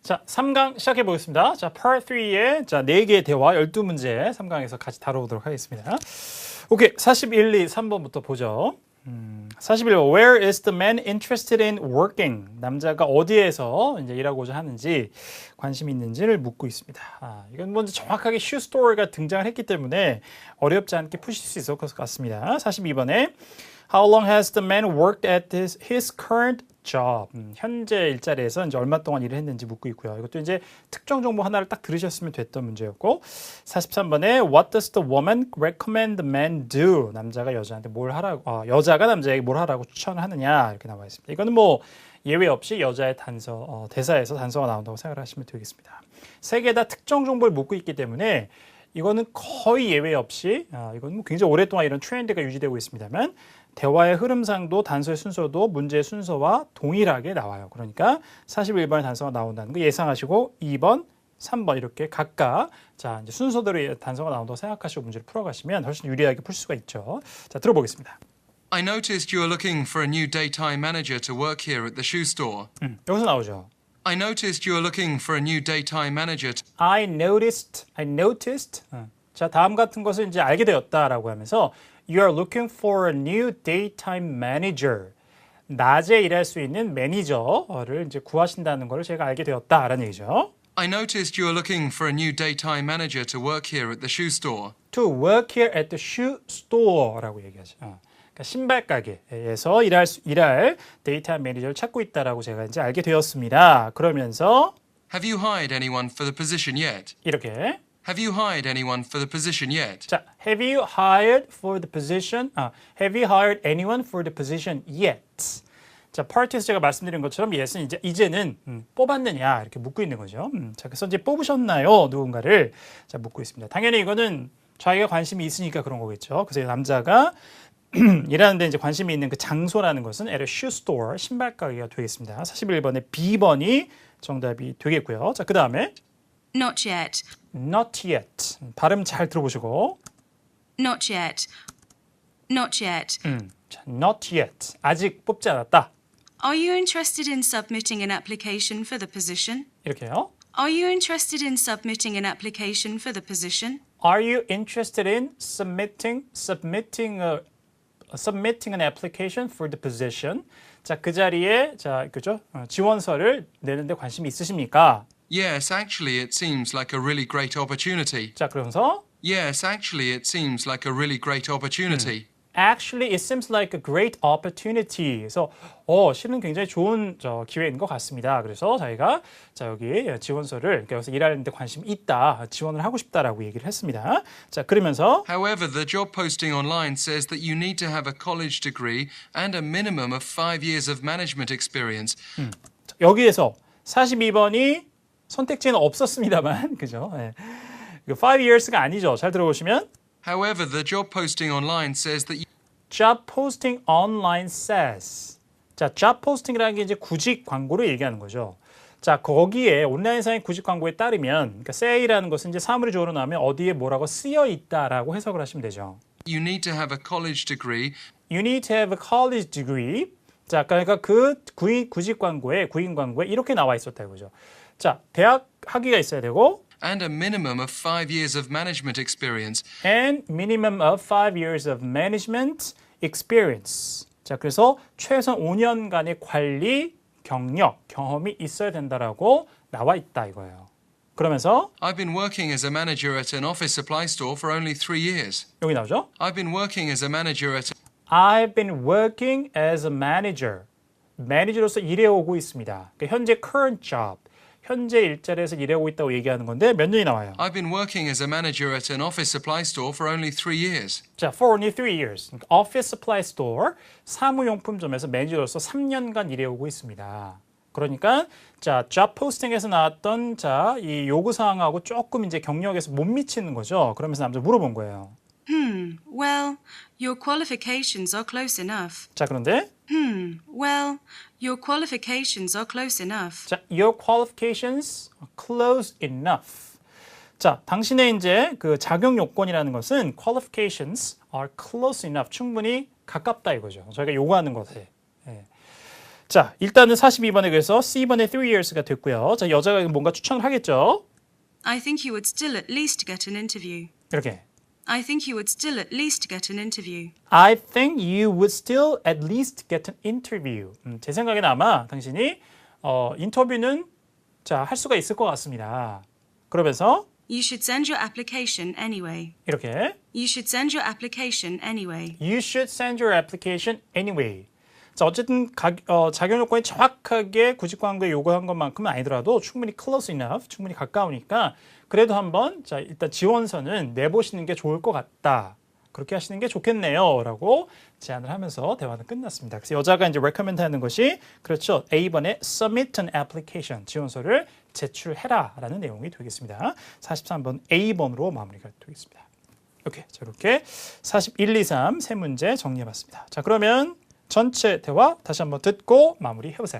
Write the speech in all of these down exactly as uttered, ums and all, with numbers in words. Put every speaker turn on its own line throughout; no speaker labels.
자, 삼 강 시작해 보겠습니다. 자, Part 삼의 자, 네 개의 대화 열두 문제 삼 강에서 같이 다뤄보도록 하겠습니다. 오케이, 사십일, 이, 삼 번부터 보죠. 음, 사십일 번, Where is the man interested in working? 남자가 어디에서 이제 일하고자 하는지 관심이 있는지를 묻고 있습니다. 아, 이건 먼저 정확하게 shoe store가 등장을 했기 때문에 어렵지 않게 푸실 수 있을 것 같습니다. 사십이 번에 How long has the man worked at his, his current job? 음, 현재 일자리에서 이제 얼마 동안 일을 했는지 묻고 있고요. 이것도 이제 특정 정보 하나를 딱 들으셨으면 됐던 문제였고, 사십삼 번에 What does the woman recommend the man do? 남자가 여자한테 뭘 하라고, 아, 여자가 남자에게 뭘 하라고 추천하느냐 이렇게 나와 있습니다. 이거는 뭐 예외 없이 여자의 단서, 어, 대사에서 단서가 나온다고 생각을 하시면 되겠습니다. 세 개 다 특정 정보를 묻고 있기 때문에 이거는 거의 예외 없이, 아, 이건 뭐 굉장히 오랫동안 이런 트렌드가 유지되고 있습니다만. 대화의 흐름상도 단서의 순서도 문제의 순서와 동일하게 나와요. 그러니까 사십일 번의 단서가 나온다는 거 예상하시고 이 번, 삼 번 이렇게 각각 자 이제 순서대로 단서가 나온다고 생각하시고 문제를 풀어가시면 훨씬 유리하게 풀 수가 있죠. 자 들어보겠습니다.
I noticed you are looking for a new daytime manager to work here at the shoe store.
음, 여기서 나오죠.
I noticed you are looking for a new daytime manager. To...
I noticed, I noticed. 어. 자 다음 같은 것을 이제 알게 되었다라고 하면서 You are looking for a new daytime manager. 낮에 일할 수 있는 매니저를 이제 구하신다는 것을 제가 알게 되었다라는 얘기죠.
I noticed you are looking for a new daytime manager to work here at the shoe store.
To work here at the shoe store라고 얘기하죠. 어. 그러니까 신발 가게에서 일할 수, 일할 데이터 매니저를 찾고 있다라고 제가 이제 알게 되었습니다. 그러면서
Have you hired anyone for the position yet?
이렇게
Have you hired anyone for the position yet?
자, have you hired for the position? 아, have you hired anyone for the position yet? 자, 파트에서 제가 말씀드린 것처럼 yes는 이제 이제는 음, 뽑았느냐 이렇게 묻고 있는 거죠. 음, 자, 그래서 이제 뽑으셨나요? 누군가를 자 묻고 있습니다. 당연히 이거는 자기가 관심이 있으니까 그런 거겠죠. 그래서 남자가 일하는데 이제 관심이 있는 그 장소라는 것은 at a shoe store 신발 가게가 되겠습니다. 사십일 번에 비 번이 정답이 되겠고요. 자, 그 다음에
Not yet.
Not yet. 발음 잘 들어보시고.
Not yet. Not yet.
음, 자, not yet. 아직 뽑지 않았다.
Are you interested in submitting an application for the position?
이렇게요.
Are you interested in submitting an application for the position?
Are you interested in submitting submitting a submitting an application for the position? 자, 그 자리에 자, 그죠? 어, 지원서를 내는데 관심이 있으십니까?
Yes, actually it seems like a really great opportunity.
자, 그러면서
Yes, actually it seems like a really great opportunity.
Actually, it seems like a great opportunity. 그래서 어, 실은 굉장히 좋은 저 기회인 것 같습니다. 그래서 저희가 자 여기 지원서를 여기서 일하는데 관심이 있다, 지원을 하고 싶다라고 얘기를 했습니다. 자 그러면서
However, the job posting online says that you need to have a college degree and a minimum of five years of management experience.
음, 여기에서 사십이 번이 선택지는 없었습니다만, 그죠? 네. five years가 아니죠. 잘 들어보시면.
However, the job posting online says that you
Job posting online says. 자, job posting이라는 게 이제 구직 광고를 얘기하는 거죠. 자, 거기에 온라인상의 구직 광고에 따르면, 그러니까 say라는 것은 이제 사물이 주어로 나오면 어디에 뭐라고 쓰여 있다라고 해석을 하시면 되죠.
you need to have a college degree.
You need to have a college degree. 자, 그러니까 그 구인, 구직 광고에, 구인 광고에 이렇게 나와 있었다 이거죠. 자, 대학 학위가 있어야 되고
And a minimum of five years of management experience.
and minimum of five years of management experience. 자, 그래서 최소한 오 년간의 관리 경력, 경험이 있어야 된다라고 나와 있다 이거예요. 그러면서
I've been working as a manager at an office supply store for only three years.
여기 나오죠?
I've been working as a manager at
I've been working as a manager. 매니저로서 일해오고 있습니다. 그러니까 현재 current job. 현재 일자리에서 일하고 있다고 얘기하는 건데 몇 년이 나와요?
I've been working as a manager at an office supply store for only three years.
자, for only three years. 그러니까 office supply store, 사무용품점에서 매니저로서 삼 년간 일해오고 있습니다. 그러니까 자, job posting에서 나왔던 자, 이 요구 사항하고 조금 이제 경력에서 못 미치는 거죠. 그러면서 남자 물어본 거예요.
Hmm, well, your qualifications are close enough.
자, 그런데
Hmm, well, your qualifications are close enough.
자, your qualifications are close enough. 자, 당신의 이제 그 자격 요건이라는 것은 qualifications are close enough. 충분히 가깝다 이거죠. 저희가 요구하는 것에. 예. 자, 일단은 사십이 번에 그래서 C번에 three years가 됐고요. 자, 여자가 뭔가 추천을 하겠죠.
I think you would still at least get an interview.
이렇게.
I think you would still at least get an interview.
I think you would still at least get an interview. 음, 제 생각에는 아마 당신이 어, 인터뷰는 자, 할 수가 있을 것 같습니다. 그러면서
You should send your application anyway.
이렇게
You should send your application anyway.
You should send your application anyway. 자, 어쨌든 가, 어, 자격 요건이 정확하게 구직 광고에 요구한 것만큼은 아니더라도 충분히 close enough, 충분히 가까우니까 그래도 한번 자, 일단 지원서는 내보시는 게 좋을 것 같다. 그렇게 하시는 게 좋겠네요. 라고 제안을 하면서 대화는 끝났습니다. 그래서 여자가 이제 recommend 하는 것이 그렇죠. A번에 submit an application, 지원서를 제출해라 라는 내용이 되겠습니다. 사십삼 번 A번으로 마무리가 되겠습니다. 오케이, 자, 이렇게 사십일, 이, 삼 세 문제 정리해봤습니다. 자, 그러면 전체 대화 다시 한번 듣고 마무리해보세요.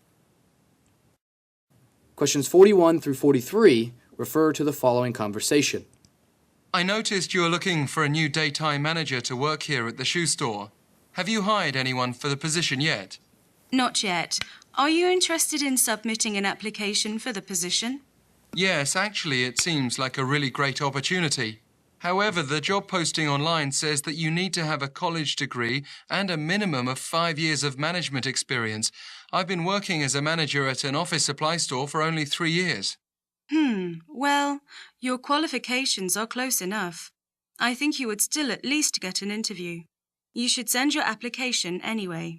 Questions forty-one through forty-three refer to the following conversation.
I noticed you're looking for a new daytime manager to work here at the shoe store. Have you hired anyone for the position yet?
Not yet. Are you interested in submitting an application for the position?
Yes, actually, it seems like a really great opportunity. However, the job posting online says that you need to have a college degree and a minimum of five years of management experience. I've been working as a manager at an office supply store for only three years.
Hmm, well, your qualifications are close enough. I think you would still at least get an interview. You should send your application anyway.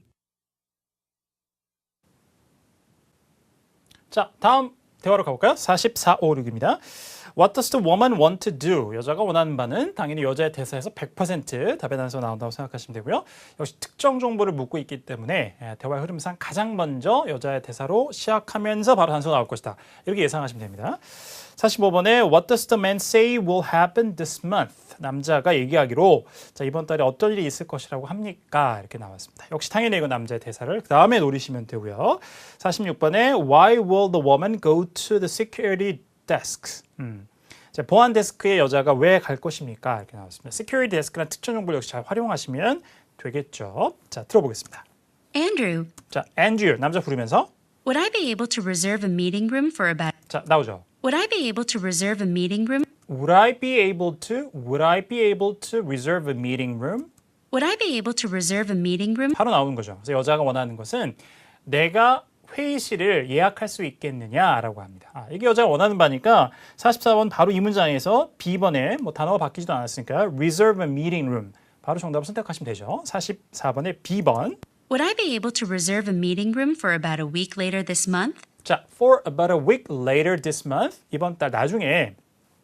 자, 다음 대화로 가볼까요? 사십사, 오, 육입니다. What does the woman want to do? 여자가 원하는 바는 당연히 여자의 대사에서 백 퍼센트 답의 단서가 나온다고 생각하시면 되고요. 역시 특정 정보를 묻고 있기 때문에 대화의 흐름상 가장 먼저 여자의 대사로 시작하면서 바로 단서가 나올 것이다. 이렇게 예상하시면 됩니다. 사십오 번에 What does the man say will happen this month? 남자가 얘기하기로 자, 이번 달에 어떤 일이 있을 것이라고 합니까? 이렇게 나왔습니다. 역시 당연히 이건 남자의 대사를 그 다음에 노리시면 되고요. 사십육 번에 Why will the woman go to the security desk? 음. 자, 보안 데스크에 여자가 왜 갈 것입니까? 이렇게 나왔습니다. security desk라는 특정 정보를 역시 잘 활용하시면 되겠죠. 자, 들어보겠습니다.
Andrew,
자, Andrew 남자 부르면서
would I be able to reserve a meeting room for about...
자, 나오죠.
Would I be able to reserve a meeting room?
Would I be able to? Would I be able to reserve a meeting room?
Would I be able to reserve a meeting room?
바로 나오는 거죠. 그래서 여자가 원하는 것은 내가 회의실을 예약할 수 있겠느냐라고 합니다. 아, 이게 여자가 원하는 바니까 사십사 번 바로 이 문장에서 B번에 뭐 단어가 바뀌지도 않았으니까 reserve a meeting room 바로 정답을 선택하시면 되죠. 사십사 번에 B번.
Would I be able to reserve a meeting room for about a week later this month?
자, for about a week later this month. 이번 달 나중에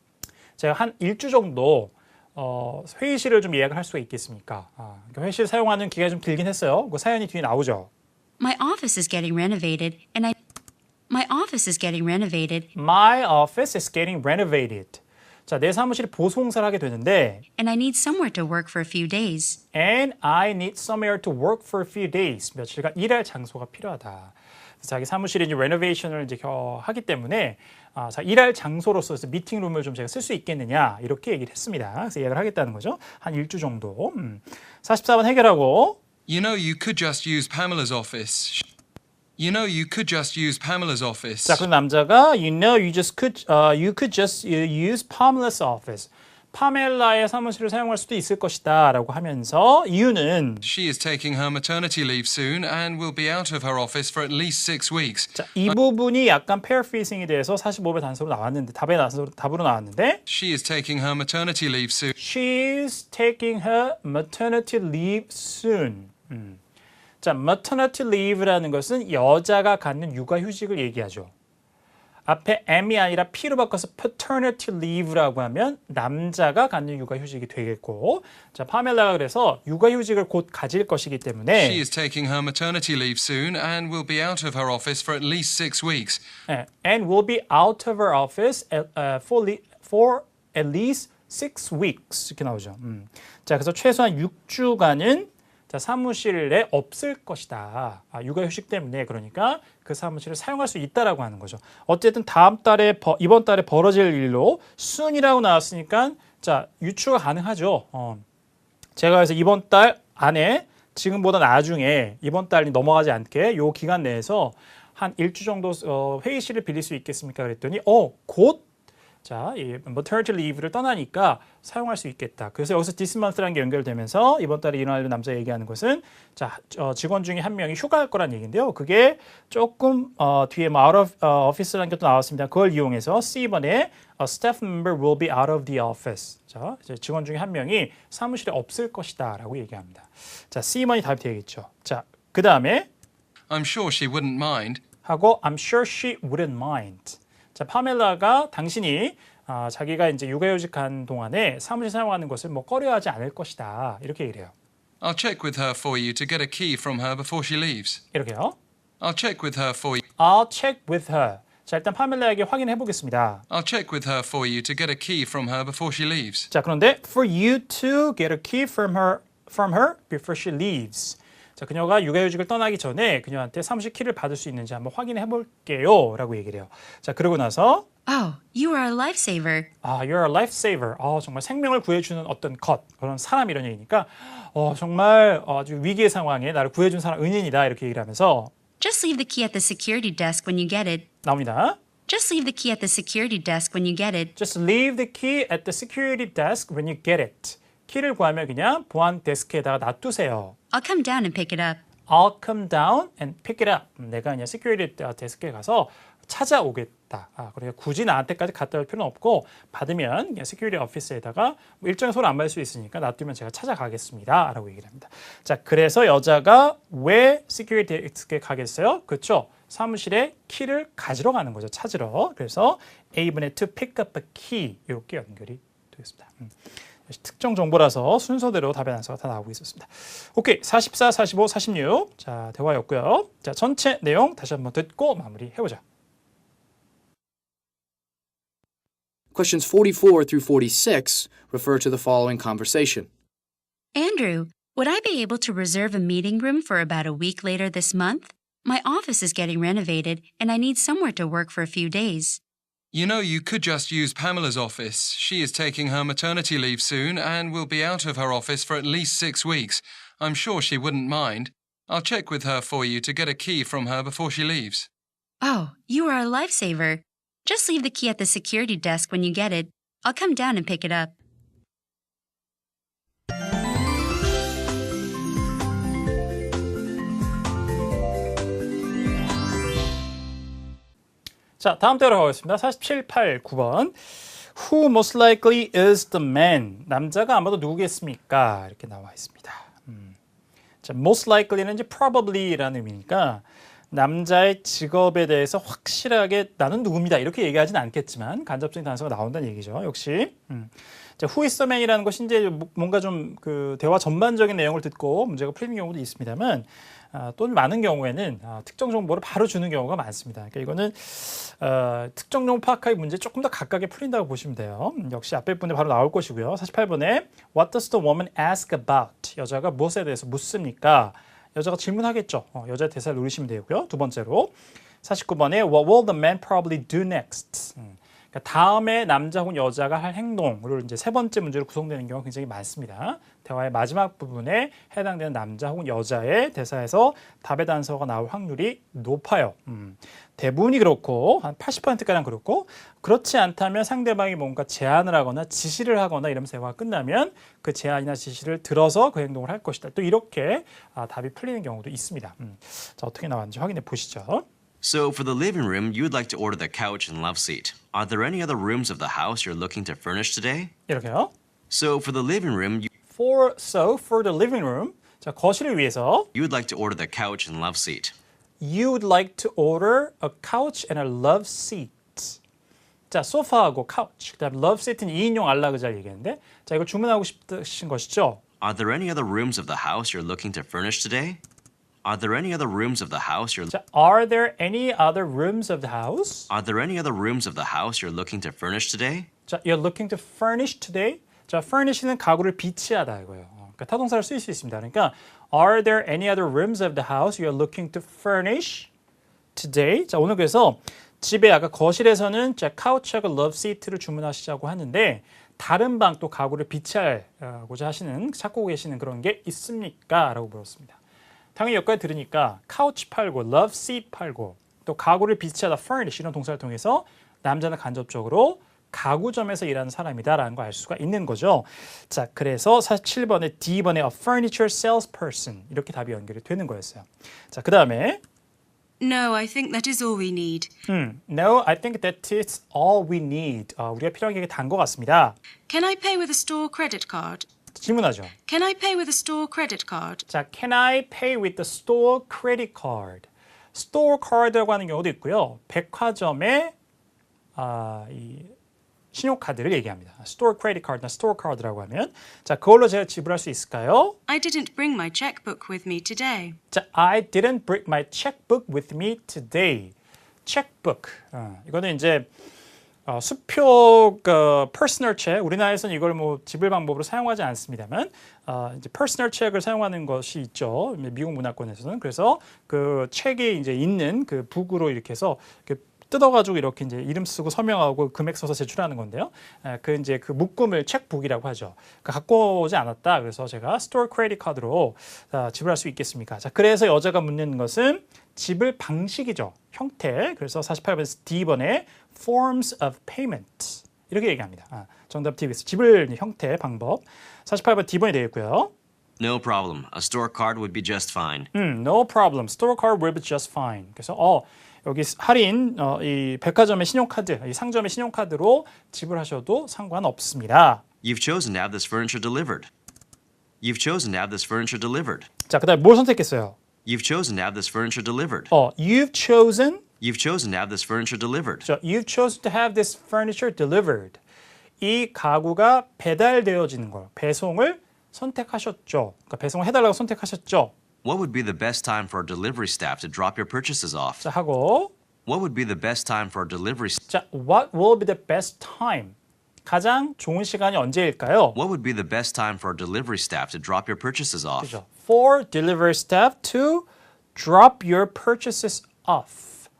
제가 한 일주 정도 어, 회의실을 좀 예약을 할 수가 있겠습니까? 아, 그러니까 회의실 사용하는 기간이 좀 길긴 했어요. 그 사연이 뒤에 나오죠.
My office is getting renovated and I... My office is getting renovated
My office is getting renovated. 자, 내 사무실이 보수공사를 하게 되는데
and I need somewhere to work for a few days.
And I need somewhere to work for a few days. 며칠간 일할 장소가 필요하다. 그래서 자기 사무실에 이제 레노베이션을 이제 하기 때문에 아, 자, 일할 장소로서 미팅룸을 좀 제가 쓸 수 있겠느냐 이렇게 얘기를 했습니다. 그래서 예약을 하겠다는 거죠. 한 일주 정도. 음. 사십사 번 해결하고
You know, you could just use Pamela's office. You know, you could just use Pamela's office.
자, 그럼 남자가 You know, you just could, uh, you could just use Pamela's office. 파멜라의 사무실을 사용할 수도 있을 것이다 라고 하면서 이유는
She is taking her maternity leave soon and will be out of her office for at least six weeks.
자, 이 부분이 약간 paraphrasing이 돼서 사십오 번 단서로 나왔는데 답의 단서로 답으로 나왔는데
She is taking her maternity leave soon.
She's taking her maternity leave soon. 음. 자, maternity leave라는 것은 여자가 갖는 육아휴직을 얘기하죠. 앞에 M이 아니라 P로 바꿔서 paternity leave라고 하면 남자가 갖는 육아휴직이 되겠고, 자, 파멜라가 그래서 육아휴직을 곧 가질 것이기 때문에
She is taking her maternity leave soon and will be out of her office for at least six weeks.
네, and will be out of her office at, uh, for, le- for at least six weeks 이렇게 나오죠. 음. 자, 그래서 최소한 육 주간은 자, 사무실에 없을 것이다. 아, 육아휴직 때문에 그러니까 그 사무실을 사용할 수 있다라고 하는 거죠. 어쨌든 다음 달에 버, 이번 달에 벌어질 일로 soon이라고 나왔으니까 자, 유추가 가능하죠. 어. 제가 그래서 이번 달 안에 지금보다 나중에 이번 달이 넘어가지 않게 요 기간 내에서 한 일주 정도 어, 회의실을 빌릴 수 있겠습니까? 그랬더니 어, 곧 자, 이 maternity leave를 떠나니까 사용할 수 있겠다. 그래서 여기서 this month라는 게 연결되면서 이번 달에 일어날 남자 얘기하는 것은 자, 어, 직원 중에 한 명이 휴가할 거란 얘기인데요. 그게 조금 어, 뒤에 뭐 out of 어, office라는 게 또 나왔습니다. 그걸 이용해서 C번에 a staff member will be out of the office. 자, 이제 직원 중에 한 명이 사무실에 없을 것이다라고 얘기합니다. 자, C번이 답이 되겠죠. 자, 그 다음에
I'm sure she wouldn't mind.
하고 I'm sure she wouldn't mind. 자, 파멜라가 당신이 아, 자기가 이제 육아휴직한 동안에 사무실 사용하는 것을 뭐 꺼려하지 않을 것이다. 이렇게 얘기를 해요.
I'll check with her for you to get a key from her before she leaves.
이렇게요.
I'll check with her for you.
I'll check with her. 자, 일단 파멜라에게 확인해 보겠습니다.
I'll check with her for you to get a key from her before she leaves.
자, 그런데 for you to get a key from her from her before she leaves. 자, 그녀가 육아휴직을 떠나기 전에 그녀한테 사무실 키를 받을 수 있는지 한번 확인해 볼게요. 라고 얘기를 해요. 자, 그러고 나서
Oh, you are a lifesaver.
아, you're a lifesaver. 아, 정말 생명을 구해주는 어떤 것, 그런 사람 이런 얘기니까 어, 정말 아주 위기의 상황에 나를 구해준 사람 은인이다. 이렇게 얘기를 하면서
Just leave the key at the security desk when you get it.
나옵니다.
Just leave the key at the security desk when you get it.
Just leave the key at the security desk when you get it. 키를 구하면 그냥 보안 데스크에다가 놔두세요.
I'll come down and pick it up.
I'll come down and pick it up. 내가 그냥 시큐리티 데스크에 가서 찾아오겠다. 아, 그러니까 굳이 나한테까지 갖다 올 필요는 없고 받으면 그냥 시큐리티 오피스에다가 뭐 일정에 손 안 받을 수 있으니까 놔두면 제가 찾아가겠습니다. 라고 얘기를 합니다. 자, 그래서 여자가 왜 시큐리티 데스크에 가겠어요? 그렇죠. 사무실에 키를 가지러 가는 거죠. 찾으러. 그래서 A분의 to pick up a key 이렇게 연결이 되겠습니다. 음. 특정 정보라서 순서대로 답의 단서가 다 나오고 있었습니다. 오케이, 사십사, 사십오, 사십육. 자, 대화였고요. 자, 전체 내용 다시 한번 듣고 마무리해보자.
Questions forty-four through forty-six refer to the following conversation.
Andrew, would I be able to reserve a meeting room for about a week later this month? My office is getting renovated, and I need somewhere to work for a few days.
You know, you could just use Pamela's office. She is taking her maternity leave soon and will be out of her office for at least six weeks. I'm sure she wouldn't mind. I'll check with her for you to get a key from her before she leaves.
Oh, you are a lifesaver. Just leave the key at the security desk when you get it. I'll come down and pick it up.
자, 다음 대로 가겠습니다. 사십칠, 팔, 구 번. Who most likely is the man? 남자가 아마도 누구겠습니까? 이렇게 나와 있습니다. 음. 자, most likely는 이제 probably라는 의미니까 남자의 직업에 대해서 확실하게 나는 누굽니다. 이렇게 얘기하진 않겠지만 간접적인 단서가 나온다는 얘기죠. 역시. 음. 자, who is the man이라는 것이 이제 뭔가 좀 그 대화 전반적인 내용을 듣고 문제가 풀리는 경우도 있습니다만 아, 또 많은 경우에는 아, 특정 정보를 바로 주는 경우가 많습니다. 그러니까 이거는 어, 특정 정보 파악하기 문제 조금 더 각각에 풀린다고 보시면 돼요. 음, 역시 앞에 분에 바로 나올 것이고요. 사십팔 번에 What does the woman ask about? 여자가 무엇에 대해서 묻습니까? 여자가 질문하겠죠. 어, 여자 대사를 누르시면 되고요. 두 번째로 사십구 번에 What will the man probably do next? 음, 그러니까 다음에 남자 혹은 여자가 할 행동을 이제 세 번째 문제로 구성되는 경우가 굉장히 많습니다. 대화의 마지막 부분에 해당되는 남자 혹은 여자의 대사에서 답의 단서가 나올 확률이 높아요. 음, 대부분이 그렇고 한 팔십 퍼센트가량 그렇고 그렇지 않다면 상대방이 뭔가 제안을 하거나 지시를 하거나 이러면서 대화가 끝나면 그 제안이나 지시를 들어서 그 행동을 할 것이다. 또 이렇게 아, 답이 풀리는 경우도 있습니다. 음, 자, 어떻게 나왔는지 확인해 보시죠.
So, for the living room, you'd like to order the couch and love seat. Are there any other rooms of the house you're looking to furnish today?
이렇게요.
So, for the living room, you-
For so for the living room. 자, 거실을 위해서
you'd like to order the couch and love seat.
You would like to order a couch and a love seat. 자, 소파하고 couch, 그다음 love seat는 이인용 안락의자를 얘기했는데 자, 이걸 주문하고 싶으신 것이죠.
Are there any other rooms of the house you're looking to furnish today? Are there any other rooms of the house you're
자, are there any other rooms of the house?
Are there any other rooms of the house you're looking to furnish today?
자, you're looking to furnish today. 자, furnish는 가구를 비치하다 이거예요. 그러니까 타동사를 쓸 수 있습니다. 그러니까 are there any other rooms of the house you're looking to furnish today? 자, 오늘 그래서 집에 아까 거실에서는 자, couch하고 love seat를 주문하시자고 하는데 다른 방 또 가구를 비치하고자 하시는 찾고 계시는 그런 게 있습니까? 라고 물었습니다. 당연히 여기까지 들으니까 카우치 팔고 love seat 팔고 또 가구를 비치하다 furnish 이런 동사를 통해서 남자는 간접적으로 가구점에서 일하는 사람이다라는 걸 알 수가 있는 거죠. 자, 그래서 사십칠 번에 D번에 a furniture salesperson 이렇게 답이 연결이 되는 거였어요. 자, 그 다음에
No, I think that is all we need.
음, No, I think that is all we need. 어, 우리가 필요한 게 단 것 같습니다.
Can I pay with a store credit card?
질문하죠.
Can I pay with a store credit card?
자, can I pay with the store credit card? store card라고 하는 경우도 있고요. 백화점의 아, 이 신용카드를 얘기합니다. store credit card나 store card라고 하면 자, 그걸로 제가 지불할 수 있을까요?
I didn't bring my checkbook with me today.
자, I didn't bring my checkbook with me today. checkbook. 어, 이거는 이제 어, 수표 그 personal check. 우리나라에서는 이걸 뭐 지불 방법으로 사용하지 않습니다만 어, 이제 personal check을 사용하는 것이 있죠. 미국 문화권에서는. 그래서 그 책에 이제 있는 그 북으로 이렇게 해서 이렇게 뜯어가지고 이렇게 이제 이름 쓰고 서명하고 금액 써서 제출하는 건데요. 에, 그 이제 그 묶음을 책북이라고 하죠. 그 갖고 오지 않았다. 그래서 제가 스토어 크레딧 카드로 아, 지불할 수 있겠습니까? 자, 그래서 여자가 묻는 것은 지불 방식이죠. 형태. 그래서 사십팔 번 D번에 forms of payment 이렇게 얘기합니다. 아, 정답 D겠습니다. 지불 형태 방법. 사십팔 번 D번이 되겠고요.
No problem. A store card would be just fine.
음, no problem. Store card will be just fine. 그래서 어 여기 할인 어, 이 백화점의 신용카드, 이 상점의 신용카드로 지불하셔도 상관없습니다.
You've chosen to have this furniture delivered. You've chosen to have this furniture delivered.
자, 그다음에 뭘 선택했어요?
You've chosen to have this furniture delivered.
어, you've chosen.
You've chosen to have this furniture delivered.
자, you've chosen to have this furniture delivered. 이 가구가 배달되어지는 걸, 배송을 선택하셨죠. 그러니까 배송을 해달라고 선택하셨죠.
What would be the best time for our delivery staff to drop your purchases off?
자, 하고
What would be the best time for our delivery staff?
자, what will be the best time? 가장 좋은 시간이 언제일까요?
What would be the best time for our delivery staff to drop your purchases off?
그죠? For delivery staff to drop your purchases off.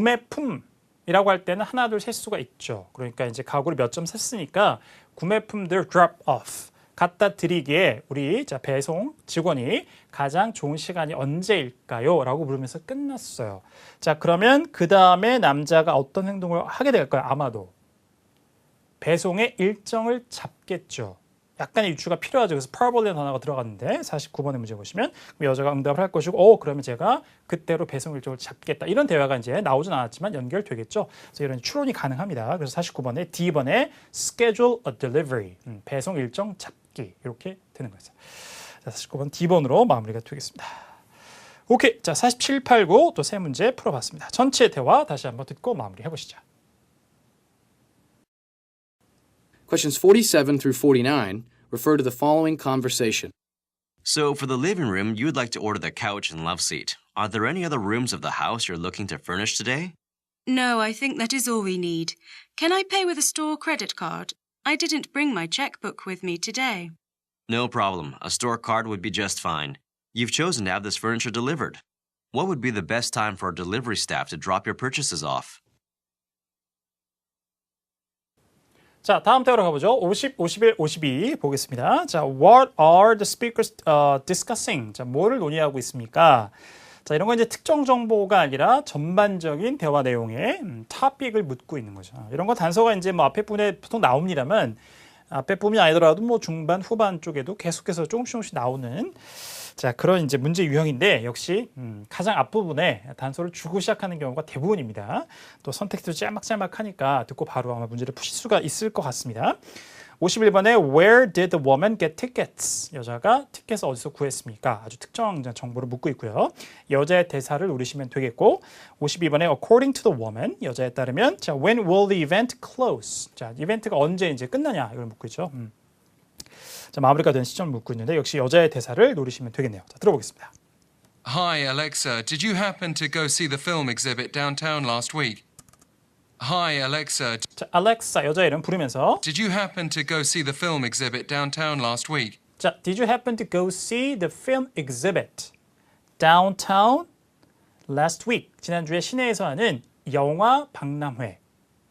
구매품이라고 할 때는 하나, 둘, 셀 수가 있죠. 그러니까 이제 가구를 몇 점 샀으니까 구매품들 drop off. 갖다 드리기에 우리 자 배송 직원이 가장 좋은 시간이 언제일까요? 라고 물으면서 끝났어요. 자, 그러면 그 다음에 남자가 어떤 행동을 하게 될까요? 아마도 배송의 일정을 잡겠죠. 약간의 유추가 필요하죠. 그래서 probably라는 단어가 들어갔는데 사십구 번의 문제 보시면 여자가 응답을 할 것이고 오, 그러면 제가 그때로 배송 일정을 잡겠다. 이런 대화가 이제 나오진 않았지만 연결되겠죠. 그래서 이런 추론이 가능합니다. 그래서 사십구 번에 D번에 schedule a delivery. 음, 배송 일정 잡기. 이렇게 되는 거죠. 자, 사십구 번 D번으로 마무리가 되겠습니다. 오케이. 자, 사십칠, 팔, 구 또 세 문제 풀어봤습니다. 전체 대화 다시 한번 듣고 마무리해 보시죠.
Questions forty-seven through forty-nine refer to the following conversation.
So, for the living room, you would like to order the couch and love seat. Are there any other rooms of the house you're looking to furnish today?
No, I think that is all we need. Can I pay with a store credit card? I didn't bring my checkbook with me today.
No problem. A store card would be just fine. You've chosen to have this furniture delivered. What would be the best time for our delivery staff to drop your purchases off?
자, 다음 대화로 가보죠. 오십, 오십일, 오십이 보겠습니다. 자, what are the speakers uh, discussing? 자, 뭐를 논의하고 있습니까? 자, 이런 건 이제 특정 정보가 아니라 전반적인 대화 내용의 음, 토픽을 묻고 있는 거죠. 이런 거 단서가 이제 뭐 앞에 부분에 보통 나옵니다만 앞에 부분이 아니더라도 뭐 중반, 후반 쪽에도 계속해서 조금씩 조금씩 나오는 자, 그런 이제 문제 유형인데 역시 음, 가장 앞부분에 단서를 주고 시작하는 경우가 대부분입니다. 또 선택도 짤막짤막하니까 듣고 바로 아마 문제를 푸실 수가 있을 것 같습니다. 오십일 번에 Where did the woman get tickets? 여자가 티켓을 어디서 구했습니까? 아주 특정 정보를 묻고 있고요. 여자의 대사를 노리시면 되겠고 오십이 번에 According to the woman 여자에 따르면 자, When will the event close? 자, 이벤트가 언제 이제 끝나냐 이걸 묻고 있죠. 음. 자, 마무리가 된 시점을 묻고 있는데 역시 여자의 대사를 노리시면 되겠네요. 자, 들어보겠습니다.
Hi, Alexa. Did you happen to go see the film exhibit downtown last week? Hi, Alexa.
자, 알렉사 여자 이름 부르면서
Did you happen to go see the film exhibit downtown last week?
자, Did you happen to go see the film exhibit downtown last week? 지난주에 시내에서 하는 영화 박람회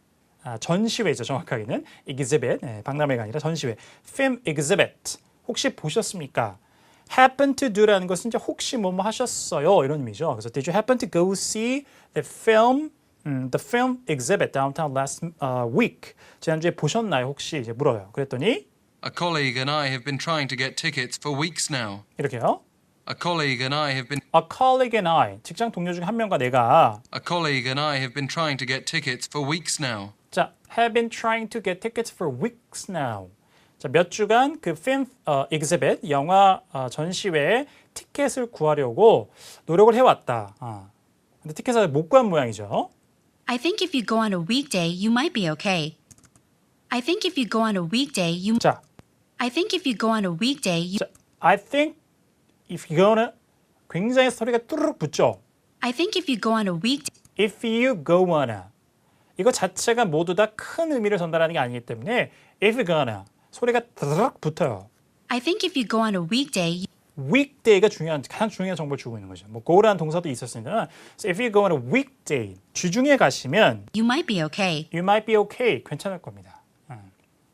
아, 전시회죠. 정확하게는 exhibit, 네, 박람회가 아니라 전시회. film exhibit. 혹시 보셨습니까? happen to do라는 것은 이제 혹시 뭐뭐 하셨어요 이런 의미죠. 그래서 did you happen to go see the film, 음, the film exhibit downtown last uh, week? 지난주에 보셨나요? 혹시 이제 물어요. 그랬더니
A colleague and I have been trying to get tickets for weeks now.
이렇게요.
A colleague and I have been
A colleague and I, 직장 동료 중 한 명과 내가
A colleague and I have been trying to get tickets for weeks now.
자, have been trying to get tickets for weeks now. 자, 몇 주간 그 film 어, exhibit 영화 어, 전시회에 티켓을 구하려고 노력을 해왔다. 아, 근데 티켓을 못 구한 모양이죠.
I think if you go on a weekday, you might be okay. I think if you go on a weekday, you
자,
I think if you go on a weekday, you
자, I think if you're gonna 굉장히 소리가 뚜루룩 붙죠.
I think if you go on a weekday,
If you go wanna 이거 자체가 모두 다 큰 의미를 전달하는 게 아니기 때문에 if you're gonna 소리가 드르륵 붙어요.
I think if you go on a weekday,
weekday가 중요한 가장 중요한 정보를 주고 있는 거죠. 뭐 go라는 동사도 있었으니까 so if you go on a weekday 주중에 가시면
you might be okay.
you might be okay 괜찮을 겁니다. 음.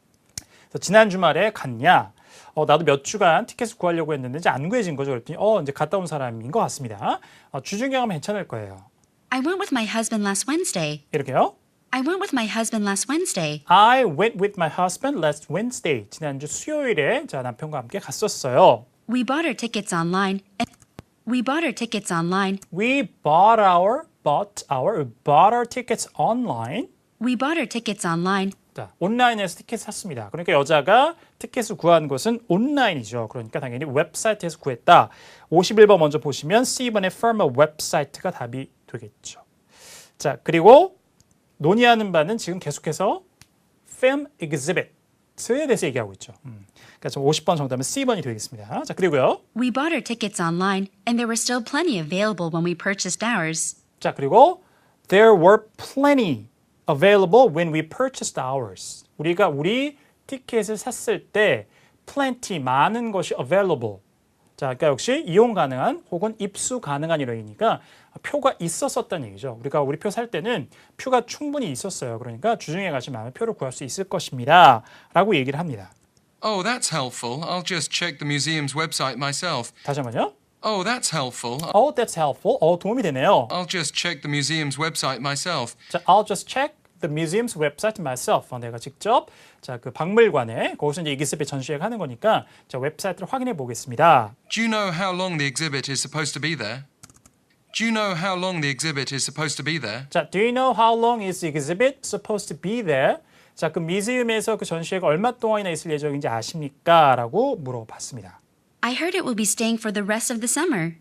그래서 지난 주말에 갔냐? 어, 나도 몇 주간 티켓을 구하려고 했는데 이제 안 구해진 거죠. 그랬더니 어 이제 갔다 온 사람인 것 같습니다. 어, 주중에 가면 괜찮을 거예요.
I went with my husband last Wednesday.
이렇게요.
I went with my husband last Wednesday.
I went with my husband last Wednesday. 지난주 수요일에 자 남편과 함께 갔었어요.
We bought our tickets online. And we bought our tickets online.
We bought our bought our bought our tickets online.
We bought our tickets online.
자, 온라인에서 티켓 샀습니다. 그러니까 여자가 티켓을 구한 것은 온라인이죠. 그러니까 당연히 웹사이트에서 구했다. 오십일 번 먼저 보시면 C번의 firm 웹사이트가 답이 되겠죠. 자, 그리고 논의하는 바는 지금 계속해서 film exhibit에 대해서 얘기하고 있죠. 음. 그러니까 좀 오십 번 정답은 C번이 되겠습니다. 자, 그리고요.
We bought our tickets online, and there were still plenty available when we purchased ours.
자, 그리고 there were plenty available when we purchased ours. 우리가 우리 티켓을 샀을 때 plenty 많은 것이 available. 자, 그러니까 역시 이용 가능한 혹은 입수 가능한 이러니까 표가 있었었다는 얘기죠. 우리가 우리 표 살 때는 표가 충분히 있었어요. 그러니까 주중에 가시면 표를 구할 수 있을 것입니다. 라고 얘기를 합니다.
Oh, that's helpful. I'll just check the museum's website myself.
다시 한번요.
Oh, that's helpful.
Oh, that's helpful. 어, 도움이 되네요.
I'll just check the museum's website myself.
자, I'll just check the museum's website myself. 어, 내가 직접 자, 그 박물관에 거기서 이제 exhibit 전시회가 하는 거니까 자, 웹사이트를 확인해 보겠습니다.
Do you know how long the exhibit is supposed to be there? Do you know how long the exhibit is supposed to be there?
자, do you know how long is the exhibit supposed to be there? 자, 그 미지움에서 그 전시회가 얼마 동안이나 있을 예정인지 아십니까? 라고 물어봤습니다.
I heard it will be staying for the rest of the summer.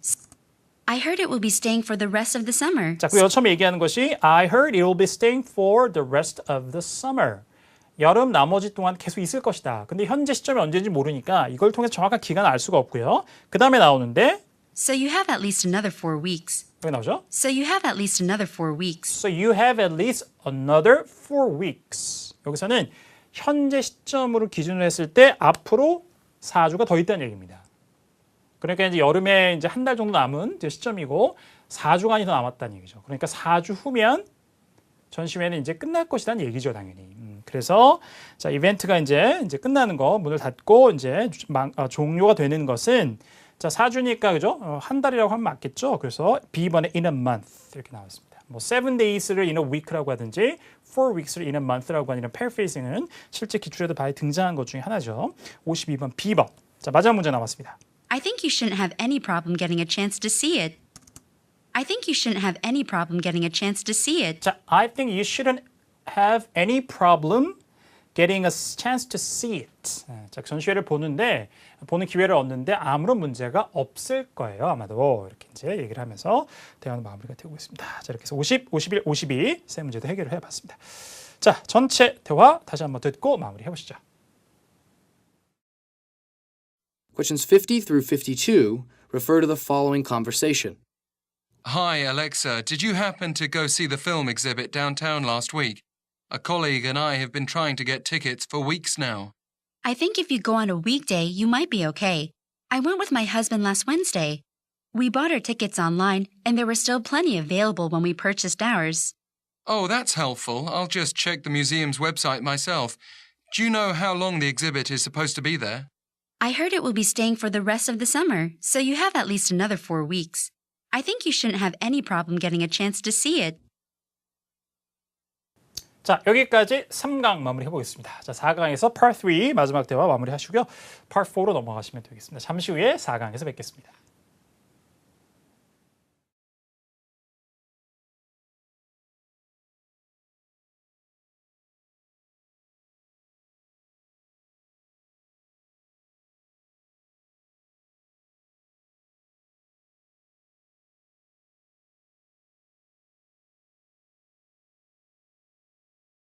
I heard it will be staying for the rest of the summer.
자, 그 처음에 얘기하는 것이 I heard it will be staying for the rest of the summer. 여름 나머지 동안 계속 있을 것이다. 근데 현재 시점이 언제인지 모르니까 이걸 통해서 정확한 기간을 알 수가 없고요. 그 다음에 나오는데
So you have at least another four weeks.
여기 나오죠?
So you have at least another four weeks.
So you have at least another four weeks. 여기서는 현재 시점으로 기준으로 했을 때 앞으로 사 주가 더 있다는 얘기입니다. 그러니까 이제 여름에 이제 한 달 정도 남은 이제 시점이고 사 주간이 더 남았다는 얘기죠. 그러니까 사 주 후면 전시회는 이제 끝날 것이라는 얘기죠, 당연히. 음, 그래서 자 이벤트가 이제 이제 끝나는 거 문을 닫고 이제 망, 어, 종료가 되는 것은 자 사 주니까 그죠? 어, 한 달이라고 하면 맞겠죠. 그래서 B번에 in a month 이렇게 나왔습니다. 뭐 seven days를 in a week라고 하든지 four weeks를 in a month라고 하는 이런 paraphrasing은 실제 기출에도 많이 등장한 것 중에 하나죠. 오십이 번 B번. 자 마지막 문제 나왔습니다.
I think you shouldn't have any problem getting a chance to see it. I think you shouldn't have any problem getting a chance to see it.
자, I think you shouldn't have any problem getting a chance to see it. 자, 전시회를 보는데 보는 기회를 얻는데 아무런 문제가 없을 거예요. 아마도 이렇게 이제 얘기를 하면서 대화는 마무리가 되고 있습니다. 자, 이렇게 해서 오십, 오십일, 오십이 세 문제도 해결을 해봤습니다. 자, 전체 대화 다시 한번 듣고 마무리해 보시죠.
Questions fifty through fifty-two refer to the following conversation.
Hi, Alexa. Did you happen to go see the film exhibit downtown last week? A colleague and I have been trying to get tickets for weeks now.
I think if you go on a weekday, you might be okay. I went with my husband last Wednesday. We bought our tickets online, and there were still plenty available when we purchased ours.
Oh, that's helpful. I'll just check the museum's website myself. Do you know how long the exhibit is supposed to be there?
I heard it will be staying for the rest of the summer, so you have at least another four weeks. I think you shouldn't have any problem getting a chance to see it.
자, 여기까지 삼 강 마무리 해보겠습니다. 자, 사 강에서 Part 삼 마지막 대화 마무리하시고요. Part 사로 넘어가시면 되겠습니다. 잠시 후에 사 강에서 뵙겠습니다.